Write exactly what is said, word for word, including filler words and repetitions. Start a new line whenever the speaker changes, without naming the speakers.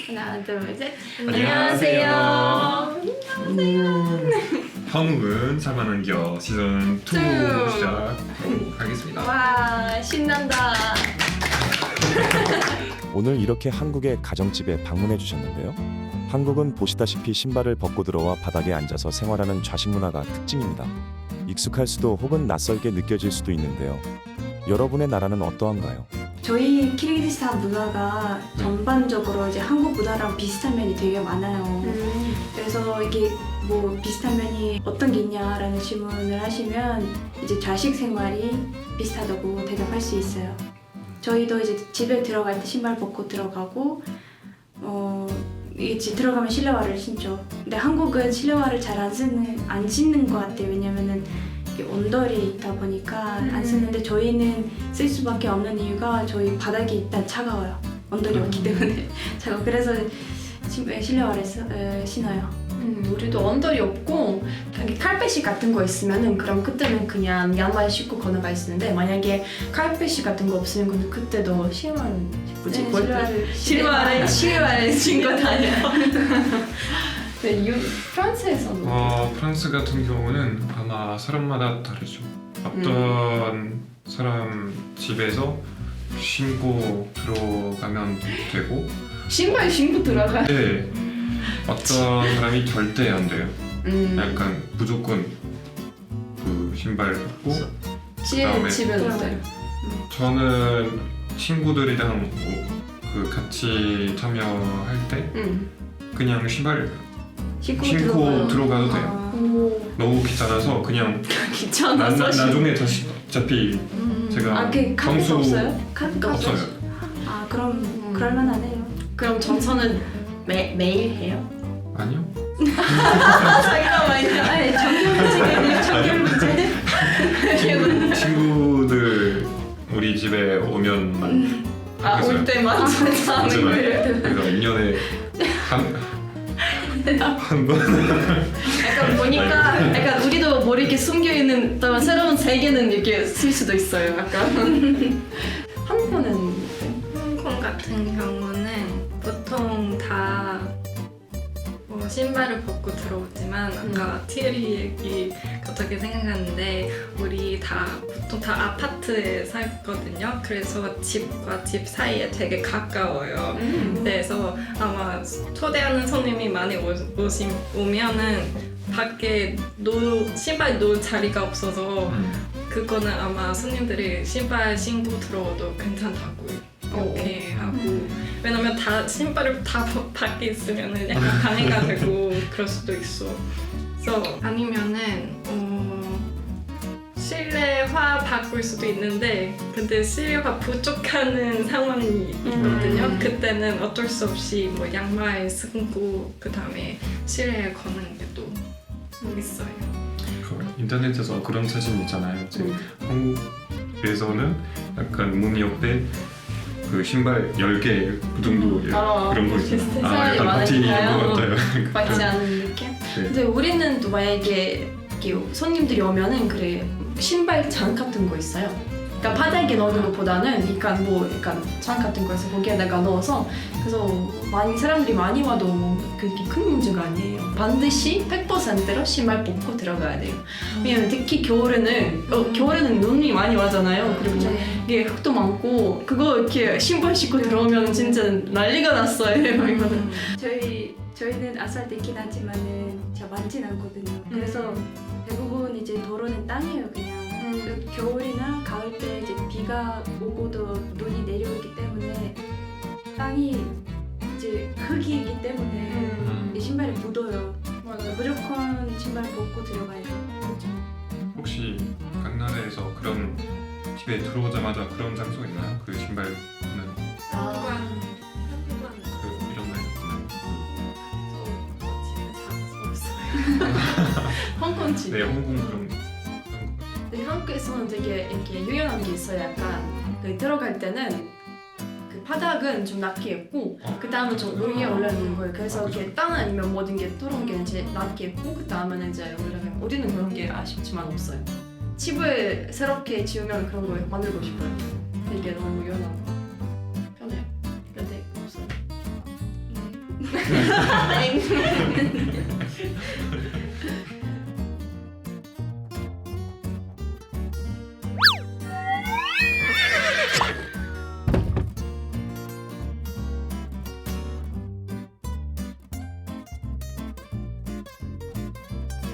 하나, 둘, 셋.
안녕하세요.
안녕하세요.
한국은 살만한겨 시즌 이
투.
시작하도록 하겠습니다.
와, 신난다.
오늘 이렇게 한국의 가정집에 방문해 주셨는데요. 한국은 보시다시피 신발을 벗고 들어와 바닥에 앉아서 생활하는 좌식 문화가 특징입니다. 익숙할 수도 혹은 낯설게 느껴질 수도 있는데요. 여러분의 나라는 어떠한가요?
저희 키르기스탄 문화가 전반적으로 이제 한국 문화랑 비슷한 면이 되게 많아요.
음.
그래서 이게 뭐 비슷한 면이 어떤 게 있냐라는 질문을 하시면 이제 좌식 생활이 비슷하다고 대답할 수 있어요. 저희도 이제 집에 들어갈 때 신발 벗고 들어가고 어 이게 집 들어가면 실내화를 신죠. 근데 한국은 실내화를 잘 안 쓰는 안 신는 것 같아요. 왜냐면은 이게 온돌이 있다 보니까
음.
안 쓰는데 저희는 쓸 수밖에 없는 이유가 저희 바닥이 일단 차가워요. 온돌이
음.
없기 때문에 차가워. 그래서 신- 실내화를 쓰, 에, 신어요.
음, 우리도 언더리 없고 여기 칼ペ시 같은 거 있으면은 그럼 그때는 그냥 양말 신고 걸어가 있는데 만약에 칼ペ시 같은 거 없으면 근데 그때도 실화를 뭐지?
네,
뭘-
실내화를
실화를 실화를 신고 다녀요. 네, 유, 프랑스에서는
어, 프랑스 같은 경우는 아마 사람마다 다르죠. 어떤 사람 집에서 신고 들어가면 되고,
신발 신고 들어가.
네, 어떤 사람이 절대 안 돼요.
음,
약간 무조건 그 신발 벗고.
집
그다음에
집에는 어때요?
저는 친구들이랑 뭐 그 같이 참여할 때
음.
그냥 신발
신고,
신고
들어가요.
들어가도 돼요.
아,
오,
너무 귀찮아서 그냥 나,
귀찮아서
나,
신-
나중에 다시 어차피
음.
제가
아, 그 카페가
평소
없어요? 카페가
없어요.
아, 그럼
음.
그럴만하네요.
그럼 정서는 매 매일 해요?
아니요.
자기가 많이
아니, 정규 문제, 정규 문제.
친구, 친구들 우리 집에 오면
아올
그래서-
때만 하는
하지만
거예요.
그래서 일 년에 한한 번.
약간 보니까 약간 우리도 모르게 숨겨 있는 또 새로운 세계는 이렇게 쓸 수도 있어요. 약간 한편은
홍콩 같은 경우는 보통 다 뭐 신발을 벗고 들어오지만 아까 티에리 얘기 어떻게 생각하는데 우리 다 보통 다 아파트에 살거든요. 그래서 집과 집 사이에 되게 가까워요. 그래서 아마 초대하는 손님이 많이 오, 오시, 오면은 밖에 놓, 신발 놓을 자리가 없어서
음.
그거는 아마 손님들이 신발 신고 들어오도 괜찮다고 이렇게 하고 왜냐면 다 신발을 다 벗- 밖에 있으면은 약간 방해가 되고 그럴 수도 있어. 그래서 아니면은 어, 실내화 바꿀 수도 있는데 근데 실내화 부족하는 상황이 있거든요.
음.
그때는 어쩔 수 없이 뭐 양말 신고 그 다음에 실내에 거는 게 또 있어요.
그 인터넷에서 그런 사진 있잖아요. 지금
음.
한국에서는 약간 문 옆에 그 신발 열 개 그 정도
음. 아,
그런 거 있어요.
비슷한
아,
사람이
약간 파티인
많으니까요.
것 같아요.
받지 않은 느낌?
네.
근데 우리는 또 만약에 이렇게 손님들이 오면은 그래 신발 장 같은 거 있어요. 그러니까 바닥에 넣는 것보다는 약간 뭐 약간 장 같은 거에서 거기에다가 넣어서 그래서 많이 사람들이 많이 와도 뭐 그렇게 큰 문제가 아니에요. 반드시 백 퍼센트로 신발 벗고 들어가야 돼요. 왜냐면 특히 겨울에는 어, 겨울에는 눈이 많이 와잖아요. 그리고 이게 흙도 많고 그거 이렇게 신발 신고 들어오면 진짜 난리가 났어요. 이거는.
저희 저희는 아스팔트 있긴 하지만은 진짜 많진 않거든요. 그래서 대부분 이제 도로는 땅이에요, 그냥. 그 겨울이나 가을 때 이제 비가 오고도 눈이 내려오기 때문에 땅이 이제 흙이기 때문에
음.
이 신발이 묻어요.
맞아.
무조건 신발 벗고 들어가야 돼요.
혹시 각 나라에서 그런 집에 들어오자마자 그런 장소 있나요? 그 신발은
아.
그 이런 거 있나요?
홍콩 집.
네, 홍콩 그런 그런 거.
근데 한국에서는 되게 이렇게 유연한 게 있어요. 약간 그 들어갈 때는 그 바닥은 좀 낮게 있고
어.
그 다음은 좀 위에 올라가는 거예요. 그래서
아,
이렇게
그죠.
땅 아니면 모든 게 뚫은 게 이제 낮게 있고 그 다음에는 이제 올라가면 우리는 그런 게 아쉽지만 없어요. 집을 새롭게 지으면 그런 거 만들고 싶어요. 되게 너무 유연하고 편해요. 근데 없어요.
땡.